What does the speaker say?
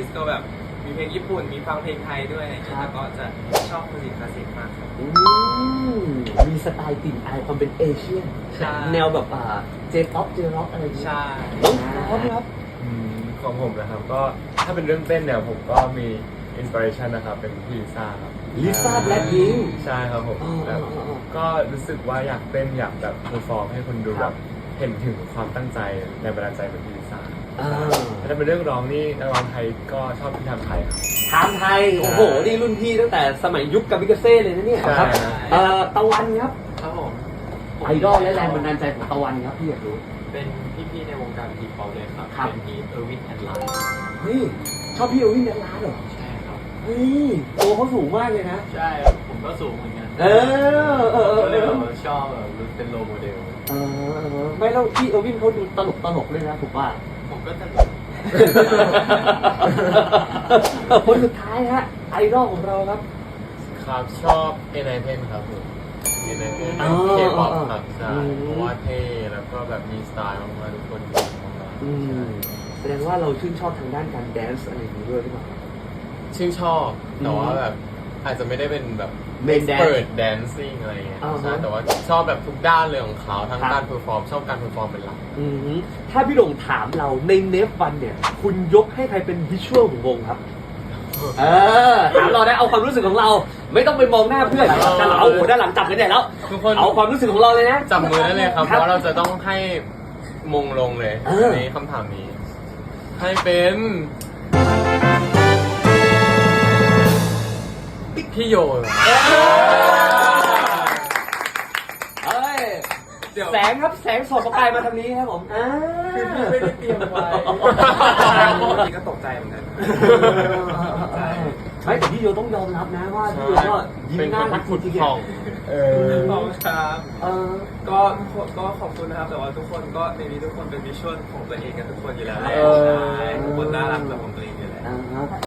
สก็แบบมีเพลงญี่ปุ่นมีฟังเพลงไทยด้วยอะไรอย่างเงี้ยแล้วก็จะชอบมิวสิกคลาสสิกมากครับมีสไตล์กลิ่นอายความเป็นเอเชียนใช่แนวแบบเจป๊อปเจร็อกอะไรอย่างเงี้ยใช่น้องพร้อมครับของผมนะครับก็ถ้าเป็นเรื่องเต้นเนี่ยผมก็มีอินสปิเรชันนะครับเป็นพี่ลิซ่าครับลิซ่าแบล็คพิงค์ใช่ครับผมอ๋อแบบก็รู้สึกว่าอยากเต้นอยากแบบเพอร์ฟอร์มให้คนดูคแบรับบเห็นถึงความตั้งใจในบันดาลใจเป็นพี่ลิซ่าอ่าถ้าเป็นเรื่องร้องนี่นักร้องไทยก็ชอบพี่ทำไทยครับถามไทย โอ้โห นี่รุ่นพี่ตั้งแต่สมัยยุคกามิกาเซ่เลยนะเนี่ยใช่ครับตะวันครับครับผมไอดอลและแรงบันดาลใจของตะวันครับพี่อยากรู้เป็นพี่ๆในวงการทีป๊อปเลยครับครับเป็นพี่เออร์วินแอนด์ไลน์เฮ้ย ชอบพี่เอลวินแดนลาร์เหรอใช่ครับเฮ้ยตัวเขาสูงมากเลยนะใช่ครับผมก็สูงเหมือนกันเออก็เลยแบบว่าชอบแบบเป็นโรลโมเดลไม่แล้วพี่เอลวินเขาดูตลกเลยนะถูกป่ะผมก็ตลกคนสุดท้ายฮะไอดอลของเราครับครับชอบเอไนเทนครับผมเอไนเทนอ๋อเคป๊อปครับใช่อืมเพราะว่าเท่แล้วก็แบบมีสไตล์มากๆทุกคนดีมากอืมแสดงว่าเราชื่นชอบทางด้านการแดนซ์อะไรอย่างนี้ด้วยหรือเปล่าๆชื่นชอบแต่ว่าแบบอาจจะไม่ได้เป็นแบบ Main dance เปิดแดนซิ่งอะไรเงี้ยอ่าฮะใช่แต่ว่าชอบแบบทุกด้านเลยของเขาทั้งครับการเพอร์ฟอร์มชอบการเพอร์ฟอร์มเป็นหลักอืมถ้าพี่หลงถามเราในเนฟวันเนี่ย คุณยกให้ใครเป็นวิชวลของวงครับ ถามเราได้เอาความรู้สึกของเรา ไม่ต้องไปมองหน้าเพื่อนแต่เราเอาหัวด้านหลังจับกันใหญ่แล้วทุกคนเอาความรู้สึกของเราเลยนะจับมือได้เลยครับเพราะว่าเราจะต้องให้มงลงเลยเออในคำถามนี้ ให้เป็นพี่โยเอ้ยแสงครับแสงสดประกายมาทางนี้ครับผมคือพี่ไม่ได้เตรียมไว้จริงก็ตกใจเหมือนกันไม่แต่พี่โยต้องยอมรับนะว่าพี่โยก็ยิ้มเป็นน่าคนรักที่จขุดริงทองขอบคุณครับเออก็ขอบคุณนะครับ แต่ว่าทุกคนก็ในนี้ทุกคนเป็นวิชวลของตัวเองกันทุกคนอยู่แล้วแหละเออใช่ทุกคนน่ารักแบบของตัวเองอยู่แล้วอ่า